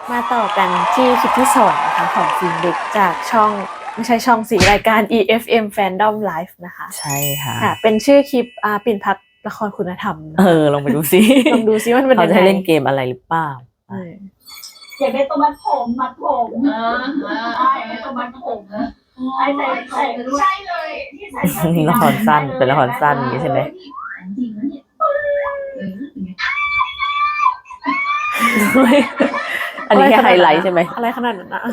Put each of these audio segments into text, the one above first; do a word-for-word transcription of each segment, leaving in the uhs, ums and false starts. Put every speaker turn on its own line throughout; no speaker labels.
มาต่อกันที่คลิปที่สองนะคะของฟิล์มเด็กจากช่องไม่ใช่ช่องสีรายการ อี เอฟ เอ็ม Fandom Live นะคะ
ใช่ค่ะ
ค่ะเป็นชื่อคลิปอ่าปิ่นพักละครคุณธรรม
เออลองไปดูซิ
ลองดูซิว่ามันเป็น
เขา
ยัง
จะ
ไง
เล่นเกมอะไรหรือเปล่า
อยากได้ตัวมัดผมมัดผมเออใช่อยากได้ตัวมัดผมไอ้ใส่ใส่ใช่เลยที่ใส่
ละครสั้นเป็นละครสั้นอย่างนี้ใช่ไหมอันนี้แค่ไฮไลท์ใช่ไหม
อะไรขนาดนั้นนะ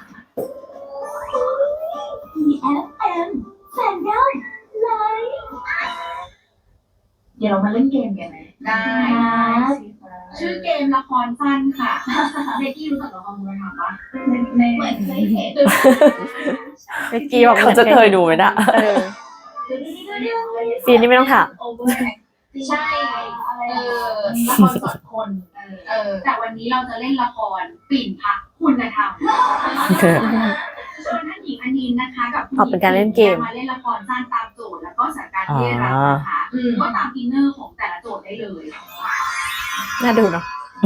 อี เอฟ เอ็ม Fandom Live เดี๋ยวเรามาเล่นเกมกันไหมได้ชื่อเกมละครสั้นค่ะเบกกี้รู้จักละครคุณธรรมปะในเหมือนเคยเห็น
เมื่อกี้บอก
เขาจะเคยดูไหมนะ
ฟีนนี่ไม่ต้องถาม
ใช่เออละครสดคนเออแต่วันนี้เราจะเล่นละครปิ่นพักคุณธรรมชวนท่านหญิงอนินนะคะกับ
ออกเป็นการเล่นเกม
มาเล่นละครสร้างตามโจทย์แล้วก็สถานการณ์ที่ได้รับนะคะก็ตามอินเนอร์ของแต่ละโจทย์ได้เลย
น่าดูเนาะ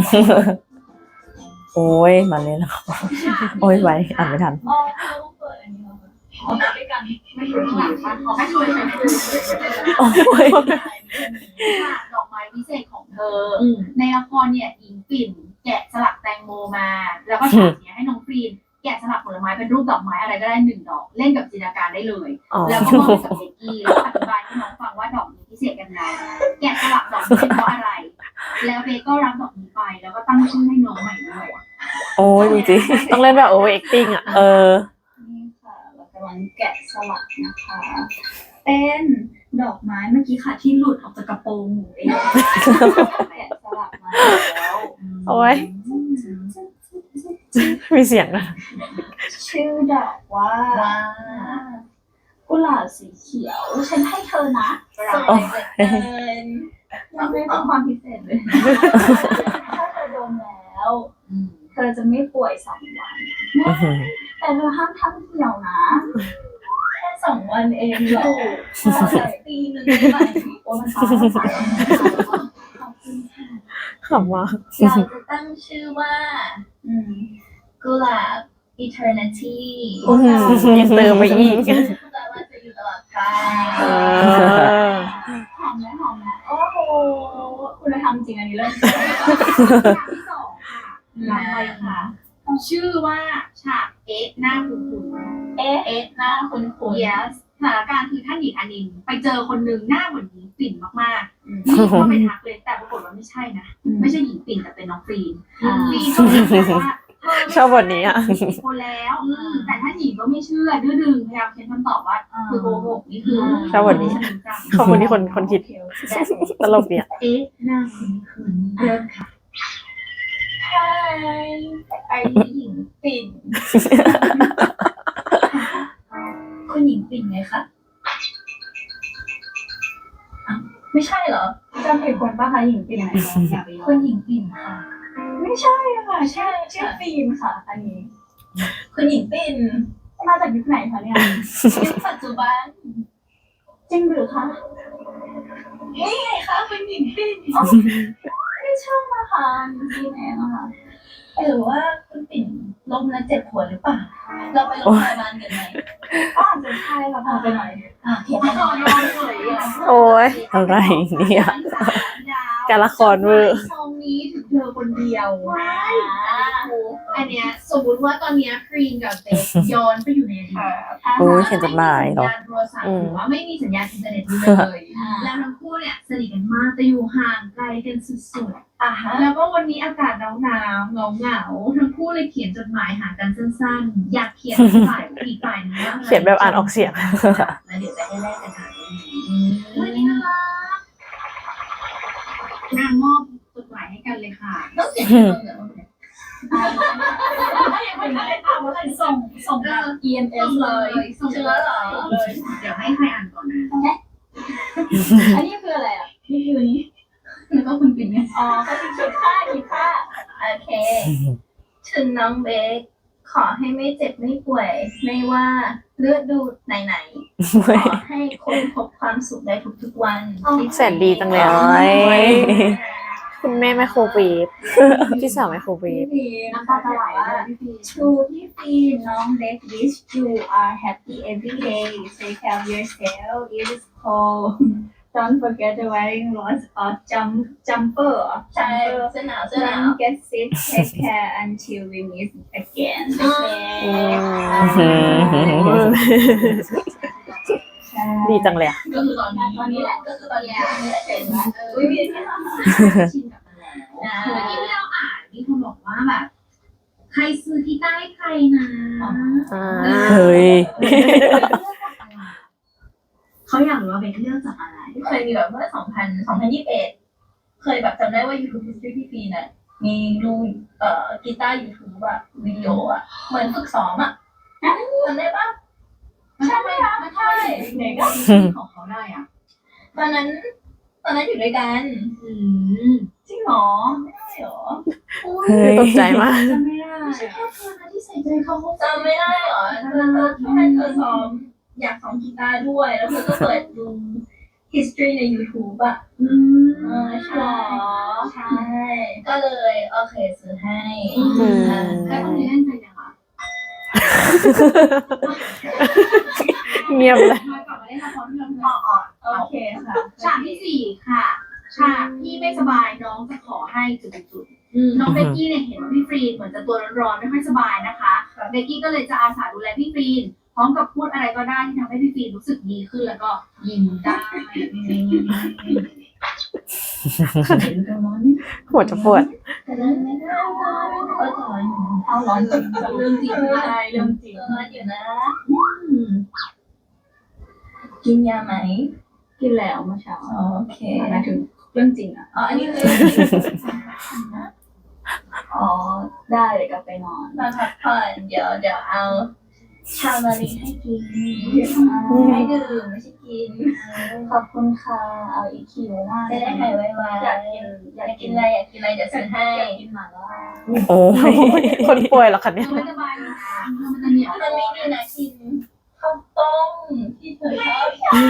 โอ้ยมาเล่นละครโอ้ยไว้อ่านไม่ทัน
อ๋อเขาเปิดอันนี้มาเขาไปด้วยกันไม่อยู่ข้างหลังป่ะเขาให้ช่วยช่วย
โอ้ย
ดอกไม้พิเศษของเธอในละครเนี่ยหญิงปิ่นแกะสลักแตงโมมาแล้วก็ฉากเนี้ยให้น้องฟรีนแกะสลักผลไม้เป็นรูปดอกไม้อะไรก็ได้หนึ่งดอกเล่นกับจินตนาการได้เลยแล้วก็มอบกับเบกกี้แล้วอธิบายให้น้องฟังว่าดอกนี้พิเศษยังไงแกะสลักดอกนี้เป็นเพราะอะไรแล้วเบกก็รับดอกนี้ไปแล้วก็ตั้งชื่อให้น้องใหม่ด้วย
โอ้ยดูสิ
ต้องเล่นแบบโอเวอร์แอคติ้งอ่ะ
เออ
นี่ค่ะเรากำลังแกะสลักนะคะเป็นดอกไม้เมื่อกี้ค่ะที่หลุดออกจากกระโปรงหนูเองแกะสลักมาแล้ว
โอ้ยมีเสียงนะ
ชื่อดอกว่ากุหลาบสีเขียวฉันให้เธอนะ
โอ้ย
มันไม่ต้องความพิเศษเลยถ้าเธอโดนแล้วเธอจะไม่ป่วยสองวันแต่เธอห้ามทำเหี่ยวนะแค่สองวันเองหรอปีนึงได้ไหมโอ้มันตายขอบคุณค่ะ
ขำว่า
เราจะตั้งชื่อว่ากุหลาบ eternity
ยังเติมไปอีก
แปลว่าจะอยู่ตลอดกาลหอมไหมหอมไหมโอ้โหคุณธรรมจริงอันนี้เริ่มอย่างที่สองค่ะลำไปค่ะชื่อว่าฉากเอ๊ะหน้าคุ้นๆเอ๊ะเอ๊ะหน้าคุ้นๆ yes สถานการณ์คือท่านหญิงอนินไปเจอคนหนึ่งหน้าเหมือนหญิงปิ่นมากๆนี่ก็ไปทักเลยแต่ปรากฏว่าไม่ใช่นะไม่ใช่หญิงปิ่นแต่เป็นน้องฟรีนฟรีนก็บอกว่า
ชอบบทนี้อ่ะ
คนแล้วแต่ถ้าหญิงก็ไม่เชื่อดื้อดึงพยายามเค้นคำตอบว่าคือโกหกนี่คือ
ชอบบทนี้ขอบคุณที่คนคนคิดตลกเนี่ย
เอ๊ะหน้าคุ้นๆเริ่มค่ะใช่ไอ้หญิงปิ่นคุณหญิงปิ่นไงคะไม่ใช่เหรอจำผิดคนป่ะคะหญิงปิ่นไหนคุณหญิงปิ่นค่ะไม่ใช่ค่ะชื่อชื่อฟิล์มค่ะอันนี้คุณหญิงปิ่นมาจากยุคไหนคะเนี่ยยุคปัจจุบันจริงหรือคะนี่ไงคะคุณหญิงปิ่นไม่ชอบมาค่ะฟิล์มเองค่ะหรือว่าคุณปิ่นล้มแล้วเจ็บหัวหรือเปล่าเราไปโรงพยาบาลกันไหมก็อาจจะใช่ค่ะพาไปหน่อยอ่ะเขียนไปนอนเลย
โอ้ย
อะไรเนี่ย
การละครเวอร์
ซองนี้ถึงเธอคนเดียวอันเนี้ยสมมติว่าตอนนี้ฟรีนกับเบสย้อนไปอยู่ในอดีต
โอ้ยเขียนจดหมายเหรอ
โทรศัพท์หรือว่าไม่มีสัญญาณอินเทอร์เน็ตเลยแล้วทั้งคู่เนี่ยสนิทกันมากแต่อยู่ห่างไกลกันสุดๆอ่ะแล้วก็วันนี้อากาศหนาวหนาวเหงาเหงาทั้งคู่เลยเขียนจดหมายหากันสั้นๆอยากเขียนฝ่ายอีกฝ่ายนึงว่า
เขียนแบบอ่านออกเสียง
แล้วเดี๋ยวจะให้แลกกันค่ะวันนี้น่ารักนางมอบจดหมายให้กันเลยค่ะต้องเขียนให้ตรงเหรอไม่ได้ถามว่าอะไรส่งส่งแบบ อี เอ็ม เอส เลยส่งเชื้อเหรอเลยเดี๋ยวให้ใครอ่านก่อนนะอันนี้คืออะไรอ่ะนี่คือนี้แล้วก็คุณปิ่นไงอ๋อก็คือคิดค่าคิดค่าโอเคถึงน้องเบคขอให้ไม่เจ็บไม่ป่วยไม่ว่าเลือดดูดไหนๆขอให้คุณพบความสุขได้ทุกๆวัน
แสนดีจังเลยคุณแม่ไมโครเวฟพี่สาวไมโครเว
พี่
ฟ
ฟิล์ม
น้ำตาจะไหลเลยพี่ฟิล์ม
ชูพี่ฟิล์มน้องเล็ก wish you are happy every day take care of yourself it is cold don't forget to wearing lots of jump jumper
ใช่เสื้อหนาวเสื้อหนาว
don't get sick take care until we meet again ใช่
ดีจังเลยอะ
ก็คือตอนนี้ตอนนี้แหละก็คือตอนนี้นี่แหละเป็นว่าเออ
อุ้ยมีที่
ชินกับมันแล้วเมื่อกี้ที่เราอ่านมีคนบอกว่าแบบใครซื้อที่ใต้ใครนะ
อ่า
เฮ้ย
เขาอยากรู้ว่าเป็นเรื่องจากอะไรเคยมีแบบเมื่อสองพันสองพันยี่สิบเอ็ดเคยแบบจำได้ว่า YouTube History พี่ฟีน่ะมีดูเอ่อกีตาร์ YouTube อะวิดีโออะเหมือนฝึกซ้อมอะจำได้ปะใช่ไหมคะใช่
เด็กก็
ของเขาได้อ่ะ ตอนนั้น ตอนนั้นอยู่ด้วยกัน
อืมจริงเหรอไม่ได้เหรอ
เฮ้ย
ตกใจมาก
จำไม่ได้
ไม่ใช่แค่เธอนะที่ใส่ใจเขาจำไม่ได้เหรอเธอเธอให้เธอซ้อมอยากซ้อมกีตาร์ด้วย แล้วเธอก็เปิดดู history ใน YouTube อ่ะ
อืม
เออ
ใช่
ใช่ ก็เลยโอเคซื้อให้
อืม
แล้วตอนนี้เล่นไปยังอ่ะ
เงียบเลย
มากลับมาเล่นละครที่เราทำอ่อน
โอเคค่ะ
ฉากที่สี่ค่ะฉากที่ไม่สบายน้องจะขอให้จุดๆน้องเบกกี้เนี่ยเห็นว่าพี่ฟรีนเหมือนจะตัวร้อนๆไม่ค่อยสบายนะคะเบกกี้ก็เลยจะอาสาดูแลพี่ฟรีนพร้อมกับพูดอะไรก็ได้ที่ทำให้พี่ฟรีนรู้สึกดีขึ้นแล้วก็ยิ้มได้เห็นกันร้อนไหม
หัวจะปวด
แต่เรื่องไม่ได้ก็ร้อนอยู่
เอาร้อนจริง
เรื่องจริง
ใช่เรื่องจริง
ร้อนอยู่นะกินยาไหม
กินแล้วเมื่อเช้า
โอเค
หมายถึงเรื่องจริงอ่ะ
อ๋ออันนี้คือ
อ๋อได้เดี๋ยวกลับไปนอน
มาพักผ่อนเดี๋ยวเดี๋ยวเอาชามารีให้กินให้ดื่มไม่ใช่กิน
ขอบคุณค่ะเอาอีกคิวมาก
จะได้หายไวๆ
อยากกิน
อยาก ก
อายกิ
กิ
น
นอะไรอยากกินอะไรเดี๋ยวซื้อให้
อยากกินหม่าล่า
โอ้ย
คนป่วยเหรอคะเนี่ย
ไม่สบายนะมันจะเหนียวมันมีนี่นะกินข้าวต้มที่เธอชอบ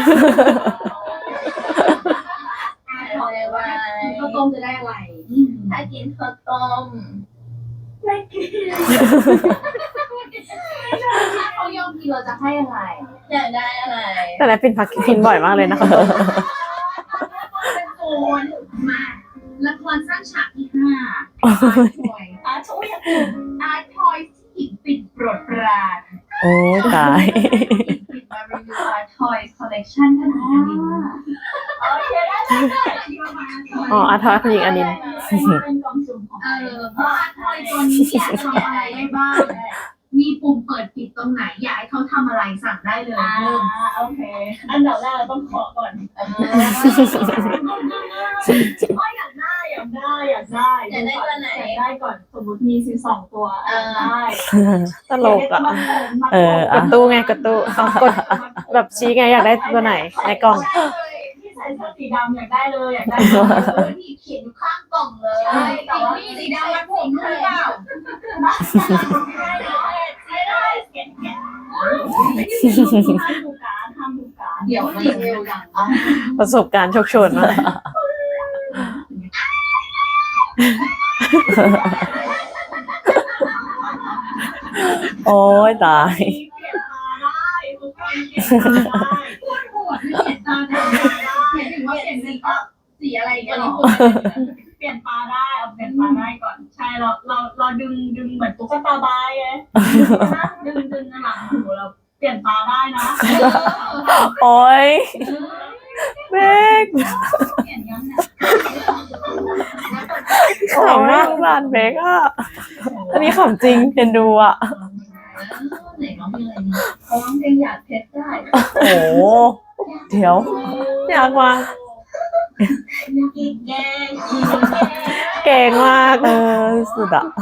หายไวๆ
ข้าวต้มจะได้อะไร
ถ้ากินข้าวต้ม
ไม่กิน
ถ้าเขายอมกินเราจะให้อะไร อยากได้อะไร
แต่ละปินพักกินบ่อยมากเลยนะคะ
เป็นโคนมาละครสร้างฉากที่ห้าอาร์ทอย
อาช่วย
อาร์ทอยที่หญิงปิดโปรดปราน
โอ้ยตาย
ปิดมารีวิวอาร์ทอยคอลเลคชั่นท่านหญิงอนินโอเคได้ได้ประมาณ
อ๋ออาทอยคุณหญิงอนิน
เป็นกล่องสุ่มของ
เออเพราะอาร์ทอยตัวนี้เนี่ยทำอะไรได้บ้าง มีปุ่มเปิดปิดตรงไหน อยากให้เขาทำอะไรสั่งได้เลย
อ่า
เริ่ม
โอเค อันดับแรกเราต้องขอก่อน
เออ
อ๋ออยากได้อยากได้อยากได้
อยากได้ตัวไหน
อยากได้ก่อนสมมติมีสิบสองตัว
เออ
ได้
ตลกอ่ะ
เออ
กดตู้ไงกดตู้เอากดแบบชี้ไงอยากได้ตัวไหนในกล่อง
ที่ใส่เสื้อสีดำอยากได้เลยอยากได้
เอ
เลย
อที่เขียนอยู่ข้างกล่องเลย
ใช่แต่ว่า
นี่สีดำมันผมหรือเปล่า
ไม่ได้เขียนเขียนห้ามดูการห้ามดูการ
เดี๋ยวมันเร็วดัง
ประสบการณ์โชคโชนมาก
โอ้ยตาย
เขียนมาได้ทุกคนเขียนมาได้
ปวดหัวที่เขียนตาได้เขียนถึงว่าเขียนสีก็สีอะไรกันหรอ
เปลี่ยนปลาได้เอาเปลี่ยนปลาได้ก่อนใช่เราเราเราดึงดึงเหมือนตุ๊กตาบายไงดึงดึงหลังหูเราเปลี่ยนปลาได้นะ
โอ้ยเบก
เขียนย้ำนะ
ขำมากร้านเบกอ่ะ อันนี้ขำจริงเห็นดูอ่ะ
ไหนร้องเพลงอะไรดี
เขาร้องเพลงอยากเพชรได้
โอ้โหเดี๋ยว
อยากวาง
อีกแกงอีกแกง
เก่งมาก
เออสุดอ่ะ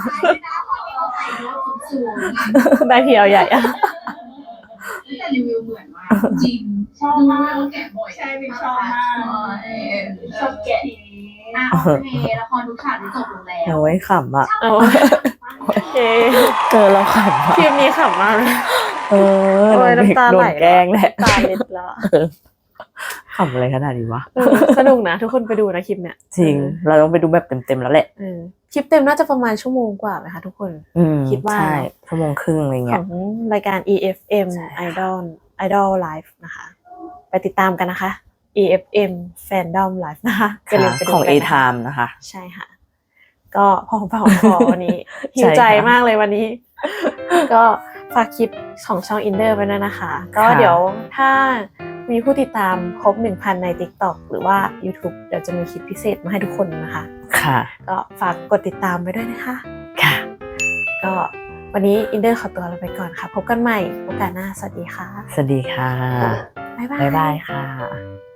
ได้เพียวใหญ่อะ
แต่รีวิวเหมือนมากจริง
ชอบ
ดู
มาก
แล้วแกะบ่อย
ใช่เป็นชอบมากชอบแกะ
อ่ะโอเคละครทุกฉากที่จบลงแล้ว
โอ้ยขำอ่ะ
เอาโอเค
เจอเราขำอ่ะ
คลิปนี้ขำมากเลย
เออ
โอ้ย
เบก
น้ำตา
โด
ไหล
นแกล้งแหละ
ตาเล็ดแล้วอะ
ขำอะไรขนาดนี้วะ
เออสนุกนะทุกคนไปดูนะคลิปเนี้ย
จริง เราต้องไปดูแบบเต็มๆแล้วแหละ
เออคลิปเต็มน่าจะประมาณชั่วโมงกว่าไหมคะทุกคน
อืม
คิดว่า
ใช่ชั่วโมงครึ่งอะไร
ข
เงี้
อย งรายการ อี เอฟ เอ็ม Idol Idol Live นะคะ ไปติดตามกันนะคะ อี เอฟ เอ็ม Fandom Live นะคะอย่าลืมไปดู
ของ
กันนะคะ
A-Time นะคะ
ใช่ค่ะ ก็พอปากของคอวันนี้ หิว
ใช่ค่ะ
ใจมากเลยวันนี้ ก็ฝากคลิปของช่องอินเดอร์ไว้ด้วยนะคะ ก็
ค่ะ
เดี๋ยวถ้ามีผู้ติดตามครบ หนึ่งพัน ใน TikTok หรือว่า YouTube เดี๋ยวจะมีคลิปพิเศษมาให้ทุกคนนะคะ
ค่ะ
ก็ฝากกดติดตามไปด้วยนะคะ
ค่ะ
ก็วันนี้อินเดอร์ขอตัวลาไปก่อนค่ะ พบกันใหม่โอกาสหน้า สวัสดีค่ะ
สวัสดีค่ะ
บ๊ายบาย
บ๊ายบายค่ะ